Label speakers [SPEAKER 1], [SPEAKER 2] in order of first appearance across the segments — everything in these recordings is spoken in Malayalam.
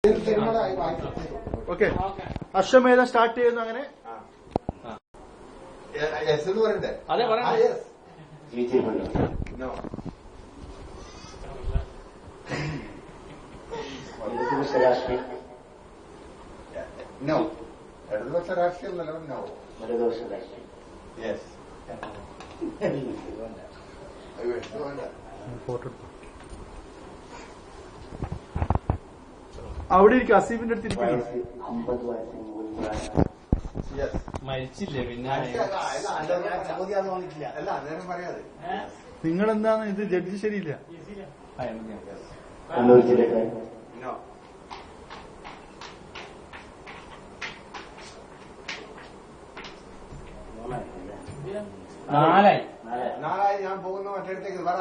[SPEAKER 1] ഓക്കെ, അശ്വമേധം സ്റ്റാർട്ട് ചെയ്യുന്നു. അങ്ങനെ
[SPEAKER 2] അതെ പറയാം.
[SPEAKER 3] No. ഇടതുപക്ഷ രാഷ്ട്രീയം നോ.
[SPEAKER 4] വലതുപക്ഷ രാഷ്ട്രീയം.
[SPEAKER 3] യെസ്.
[SPEAKER 1] അവിടെ ഇരിക്കും, അസീഫിന്റെ അടുത്ത് ഇരിക്കുന്നു.
[SPEAKER 4] 50 വയസ്സിന്
[SPEAKER 2] മരിച്ചില്ലേ പിന്നെ
[SPEAKER 3] അല്ല അന്നേരം പറയാതെ.
[SPEAKER 1] നിങ്ങളെന്താണ് ഇത്? ജഡ്ജി ശരിയില്ല.
[SPEAKER 4] കണ്ണൂർ ജില്ലക്കാരൻ.
[SPEAKER 3] നോ. നാളായി ഞാൻ പോകുന്ന മറ്റേടത്തേക്ക് പറ.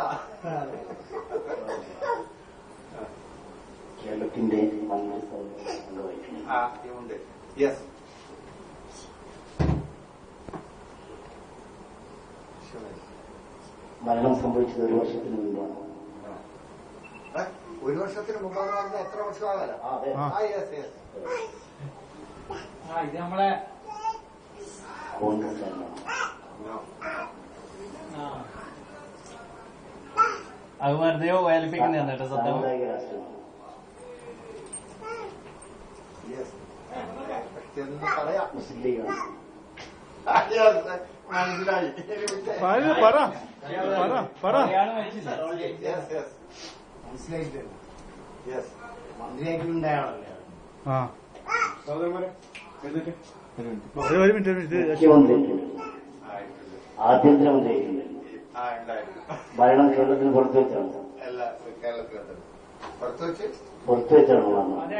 [SPEAKER 4] കേരളത്തിന്റെ
[SPEAKER 3] ഉണ്ട്. യെസ്.
[SPEAKER 4] മരണം സംഭവിച്ചത് 1 വർഷത്തിന് മുൻപാണ്.
[SPEAKER 3] 1 വർഷത്തിന് മുമ്പാണ് പറഞ്ഞാൽ എത്ര വർഷമാകാലോ? Yes yes.
[SPEAKER 2] ഇത് നമ്മളെ
[SPEAKER 4] കോൺഗ്രസ്
[SPEAKER 2] അത് വെറുതെയോ വേലിപ്പിക്കുന്ന കേട്ടോ.
[SPEAKER 4] സാമുദായിക രാഷ്ട്രീയമാണ്.
[SPEAKER 3] പറയാം.
[SPEAKER 4] മുസ്ലിം ലീഗാണ്.
[SPEAKER 3] മനസ്സിലായി.
[SPEAKER 1] പറ.
[SPEAKER 3] മന്ത്രിയായിട്ടുണ്ടായാളല്ലേ?
[SPEAKER 1] ഒരു മിനിറ്റ്.
[SPEAKER 4] മുഖ്യമന്ത്രി, ആഭ്യന്തരമന്ത്രിയായിട്ടുണ്ട്. ഭരണം കേരളത്തിന് പുറത്തു വെച്ചാണ്.
[SPEAKER 3] കേരളത്തിലുണ്ട്. പുറത്തു
[SPEAKER 4] വെച്ചാണ്
[SPEAKER 1] അതെ.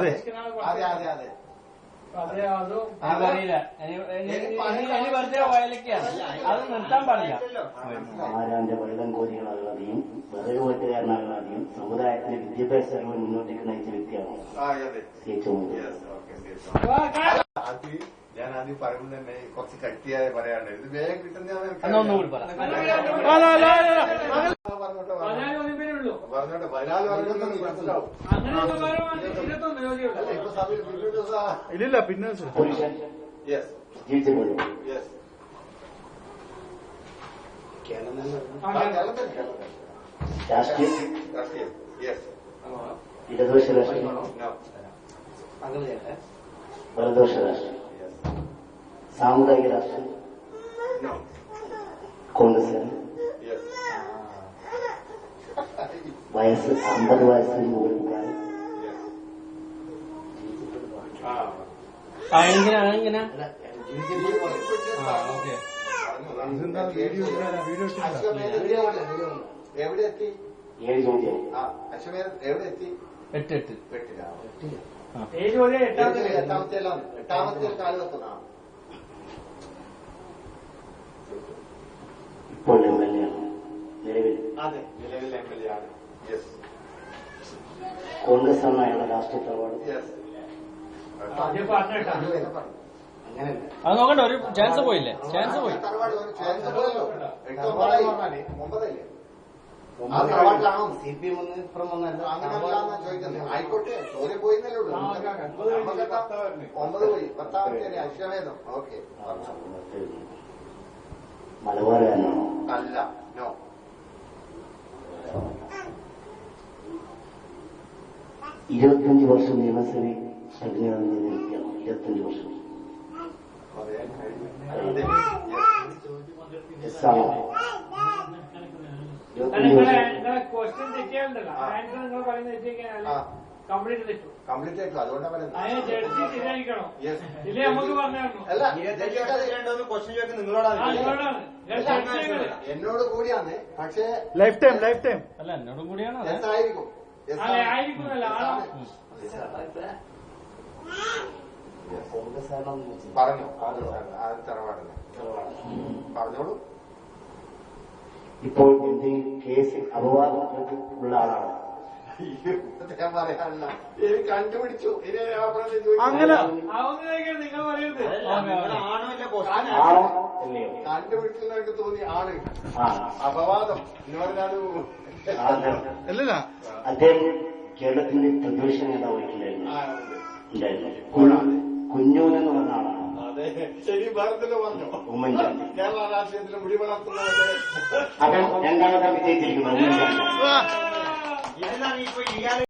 [SPEAKER 2] അതറിയില്ല. ഇനി വെറുതെ വയലക്കാണ്, അത് നിർത്താൻ പാടില്ല.
[SPEAKER 4] ആരാന്റെ വെള്ളം കോരികളാകാതെയും വിറക് വെട്ടുകാരനാകാതെയും സമുദായത്തിന് വിദ്യാഭ്യാസ ചെലവ് മുന്നോട്ടേക്ക് നയിച്ച വ്യക്തിയാണ്
[SPEAKER 3] ഞാൻ ആദ്യം പറയുമ്പോൾ തന്നെ കുറച്ച് കട്ടിയായ പറയാണ്ട് ഇത് വേഗം കിട്ടുന്ന
[SPEAKER 2] ഒന്നുകൂടി പറ.
[SPEAKER 3] പറഞ്ഞോട്ടെ 14 മനസ്സിലാവും. ഇപ്പൊ സമയം
[SPEAKER 1] ഇല്ലില്ല. പിന്നെ
[SPEAKER 4] പുരുഷൻ ജീവിച്ചപ്പോഴും രാഷ്ട്രീയം ഇടതുപക്ഷ രാഷ്ട്രീയം, വലതുപക്ഷ രാഷ്ട്രീയം, സാമുദായിക രാഷ്ട്രീയം, കോൺഗ്രസ്, വയസ്സ് 50 വയസ്സിന് മുകളിൽ പ്രായം,
[SPEAKER 2] എങ്ങനെ ഓക്കെ.
[SPEAKER 3] എവിടെ എത്തി?
[SPEAKER 4] 7 ചോദ്യം.
[SPEAKER 3] അശ്വമേധം എവിടെ എത്തി?
[SPEAKER 2] 8
[SPEAKER 3] എട്ടാമത്തെ കാലഘട്ടം.
[SPEAKER 4] ഇപ്പോൾ MLA ആണ് നിലവിൽ.
[SPEAKER 3] അതെ, നിലവിൽ MLA ആണ്. യെസ്.
[SPEAKER 4] കോൺഗ്രസ് ആണ് അയാളുടെ രാഷ്ട്രീയ തറവാട്.
[SPEAKER 3] യെസ്. അങ്ങനെയല്ല,
[SPEAKER 2] അത് നോക്കണ്ട. ഒരു ചാൻസ് പോയില്ലേ? ചാൻസ് പോയി.
[SPEAKER 3] തറവാട് ചാൻസ് പോയല്ലോ. 9 ആ തറവാട്ടിലാണോ? CPM അങ്ങനെയല്ലാന്നാ ചോദിക്കുന്നത്. ആയിക്കോട്ടെ, ചോദ്യം പോയിന്നല്ലേ ഉള്ളൂ. 9 പോയി. 10ാമത്തെ അശ്വമേധം. ഓക്കെ.
[SPEAKER 4] മലബാറുകാരനാണോ?
[SPEAKER 3] അല്ല. നോ.
[SPEAKER 4] 25 വർഷം നിയമസഭയിൽ പ്രതിനിധാനം ചെയ്ത വ്യക്തിയാണ്. 25 വർഷം. എസ്സാണോ? 25 വർഷം.
[SPEAKER 3] കംപ്ലീറ്റ് ആയിട്ടു. അതുകൊണ്ടാണ് പറയുന്നത്. എന്നോട് കൂടിയാണ്. പക്ഷേ
[SPEAKER 1] ലൈഫ് ടൈം
[SPEAKER 2] അല്ല, എന്നോടും കൂടിയാണ്.
[SPEAKER 3] ആയിരിക്കും. പറഞ്ഞു. തറവാടല്ലേ? പറഞ്ഞോളൂ.
[SPEAKER 4] ഇപ്പോൾ എന്തെങ്കിലും കേസിൽ അപവാദം ഉള്ള ആളാണ്.
[SPEAKER 3] ഞാൻ പറയാനല്ല, എനിക്ക് കണ്ടുപിടിച്ചു.
[SPEAKER 1] അങ്ങനെ
[SPEAKER 4] ആണോ അല്ലയോ?
[SPEAKER 3] കണ്ടുപിടിച്ചതായിട്ട് തോന്നി. ആണ്. അപവാദം എന്ന് പറഞ്ഞാൽ
[SPEAKER 1] അല്ലല്ല.
[SPEAKER 4] അദ്ദേഹം കേരളത്തിന്റെ പ്രതിപക്ഷ നേതാവായിട്ടുണ്ടായിരുന്നു
[SPEAKER 3] ആ, ഉണ്ട്.
[SPEAKER 4] ഉണ്ടായിരുന്നു. കുഞ്ഞൂൻ എന്ന് പറഞ്ഞ ആളാണ്
[SPEAKER 3] അതെ, ശരി, ഭാരതത്തില് പറഞ്ഞു.
[SPEAKER 4] ഉമ്മൻചാണ്ടി.
[SPEAKER 3] കേരള രാഷ്ട്രീയത്തിൽ മുടി വളർത്തുന്നവരെ
[SPEAKER 4] അവൻ രണ്ടാമതായി വിജയിച്ചിരിക്കുന്നു ഉമ്മൻചാണ്ടി.